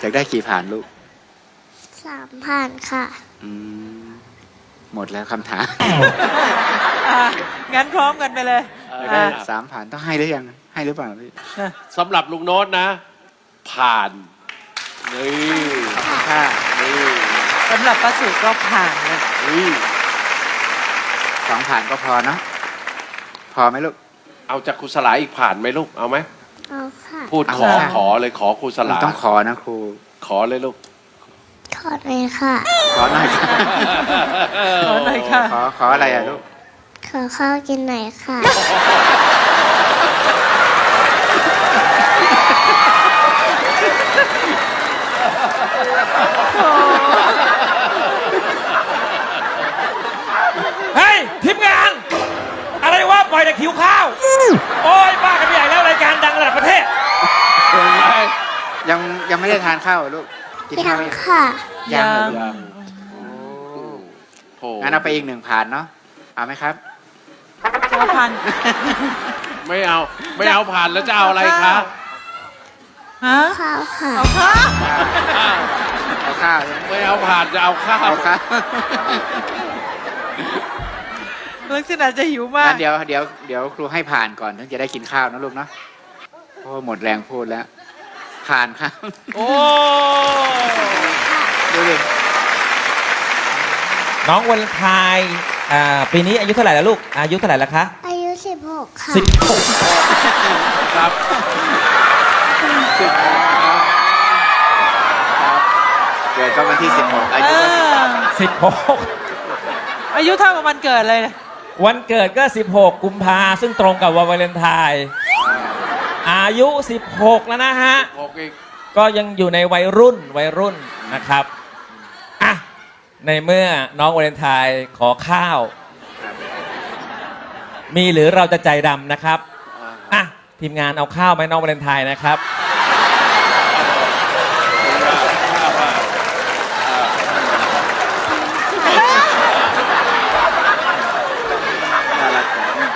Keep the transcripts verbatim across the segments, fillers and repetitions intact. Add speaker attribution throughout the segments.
Speaker 1: อยากได้กี่ผ่านลูก
Speaker 2: สามผ่านค่ะ
Speaker 1: อืมหมดแล้วคำถาม
Speaker 3: อ่ะงั้นพร้อมกันไปเลย
Speaker 1: อยากได้
Speaker 3: อ่ะ
Speaker 1: สามผ่านต้องให้หรือยังให้หรือเปล่าพี่
Speaker 4: สำหรับลุงโน้ตนะ ผ่านนี่
Speaker 1: ค่ะ
Speaker 4: นี่
Speaker 3: สำหรับป้าสุก็ผ่านเลย
Speaker 4: นี่
Speaker 1: สองผ่านก็พอเนาะพอไหมลูก
Speaker 4: เอาจากครูสลาอีกผ่านไหมลูกเอาไหม
Speaker 2: เอาค่ะ
Speaker 4: พูดขอ
Speaker 1: เอาค่ะ
Speaker 4: ขอเลยขอครูสลา
Speaker 1: ต้องขอนะครู
Speaker 4: ขอเลยลูก
Speaker 2: ขอเลยค่ะ
Speaker 1: ขอหน่อยค่ะ
Speaker 3: ขอหน่อยค่ะ
Speaker 1: ขอขออะไรอ่ะลูก
Speaker 2: ขอข้าวกินหน่อยค่ะ
Speaker 5: เฮ้ยทีมงาน อะไรวะปล่อยแต่คิวข้าว โอ้ยบ้ากันใหญ่แล้วรายการดังระดับประเทศ
Speaker 1: ยังยังไม่ได้ทานข้าวเหรอลูกกิน
Speaker 2: ยั
Speaker 1: ข้าว
Speaker 2: ง
Speaker 1: ยัง
Speaker 2: ค่ะ
Speaker 1: ยังเหรอลูก
Speaker 4: ยังโอ้
Speaker 1: งั้นเอาไปอีกหนึ่งผ่านเนาะเอาไหมครับ
Speaker 3: จะมาพัน
Speaker 4: ไม่เอาไม่เอาผ่านแล้วจะเอาอะไรคะ
Speaker 3: ฮะ
Speaker 2: ข้าวค่ะ
Speaker 3: เอาข้าว
Speaker 4: อ้าว
Speaker 1: เอาข้าวใช่ไหม
Speaker 4: ไม่เอาผ่านจะเอาข้าว
Speaker 1: เอาข้าว
Speaker 3: ลักษณะจะหิวมาก
Speaker 1: งั้นเดี๋ยวเดี๋ยวเดี๋ยวครูให้ผ่านก่อนถึงจะได้กินข้าวนะลูกเนาะโอ้หมดแรงพูดแล้ว ผ่านครับ
Speaker 4: โอ้
Speaker 1: ดูดิ
Speaker 5: น้องวันไทายอ่าปีนี้อายุเท่าไหร่แล้วลูก อายุเท่าไหร่แล้วคะ
Speaker 2: อายุสิบหกค่ะ
Speaker 5: สิบหก
Speaker 4: ครับ
Speaker 1: สิบหกครับครับเกิดก็วันที่สิบหกอา
Speaker 3: เอ
Speaker 1: ยุก็สิบ
Speaker 3: อ
Speaker 5: สิบหก
Speaker 3: อายุเท่ากับวันเกิดเลย
Speaker 5: วันเกิดก็สิบหกกุมภาซึ่งตรงกับวันวาเลนไทน์อายุสิบหกแล้วนะฮะ
Speaker 4: หกอีก
Speaker 5: ก็ยังอยู่ในวัยรุ่นวัยรุ่นนะครับอ่ะในเมื่อน้องวาเลนไทน์ขอข้าว มีหรือเราจะใจดำนะครับอ่ะทีมงานเอาข้าวไหมน้องวาเลนไทน์นะครับ
Speaker 1: น่ารัก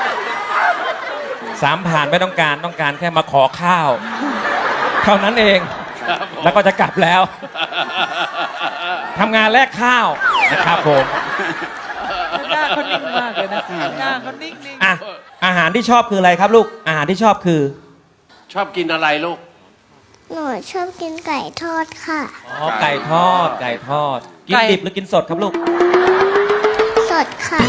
Speaker 5: สามผ่านไม่ต้องการต้องการแค่มาขอข้าว เท่านั้นเอง
Speaker 4: ครับผม
Speaker 5: แล้วก็จะกลับแล้วทำงานแลกข้าวนะครับผม
Speaker 3: หน้าเขานิ่งมากเลยนะ หน้าเขานิ่งๆ
Speaker 5: อ่ะอาหารที่ชอบคืออะไรครับลูกอาหารที่ชอบคือ
Speaker 4: ชอบกินอะไรลูก
Speaker 2: หนูชอบกินไก่ทอดค่ะ
Speaker 5: อ๋อไก่ทอดไก่ทอด กินดิบหรือกินสดครับลูก
Speaker 2: สดค่ะ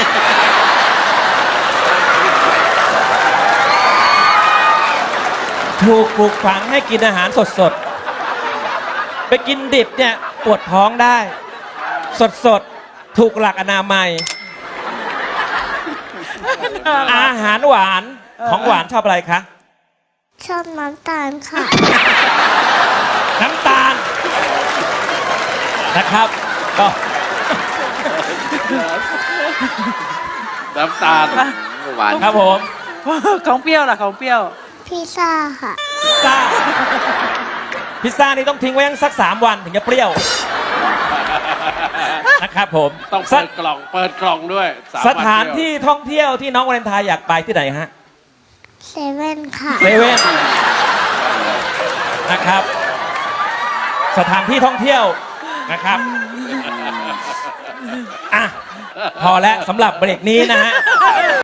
Speaker 5: ถูกปลูกฝังให้กินอาหารสดๆ ไปกินดิบเนี่ยปวดท้องได้ สดๆ ถูกหลักอนามัย อาหารหวานของหวานชอบอะไรคะ
Speaker 2: ชอบน้ำตาลค่ะ
Speaker 5: น้ำตาลนะครับก็
Speaker 4: น้ำตาล
Speaker 1: หวาน
Speaker 5: ครับผม
Speaker 3: ของเปรี้ยวล่ะของเปรี้ยว
Speaker 2: พิซซ่าค่ะ
Speaker 5: พิซซ่าพิซซ่านี่ต้องทิ้งไว้ยังสักสามวันถึงจะเปรี้ยวนะครับผม
Speaker 4: ต้อง
Speaker 5: ส
Speaker 4: เปิดกล่องเปิดกล่องด้วยม
Speaker 5: ส
Speaker 4: วัน
Speaker 5: ถาน
Speaker 4: เดียว
Speaker 5: ที่ท่องเที่ยวที่น้องวาเลนไทน์อยากไปที่ไหนฮะ
Speaker 2: เซเว่นค่ะ
Speaker 5: เซเว่นนะครับ สถานที่ท่องเที่ยวนะครับอ่ะพอแล้วสำหรับเบรกนี้นะฮะ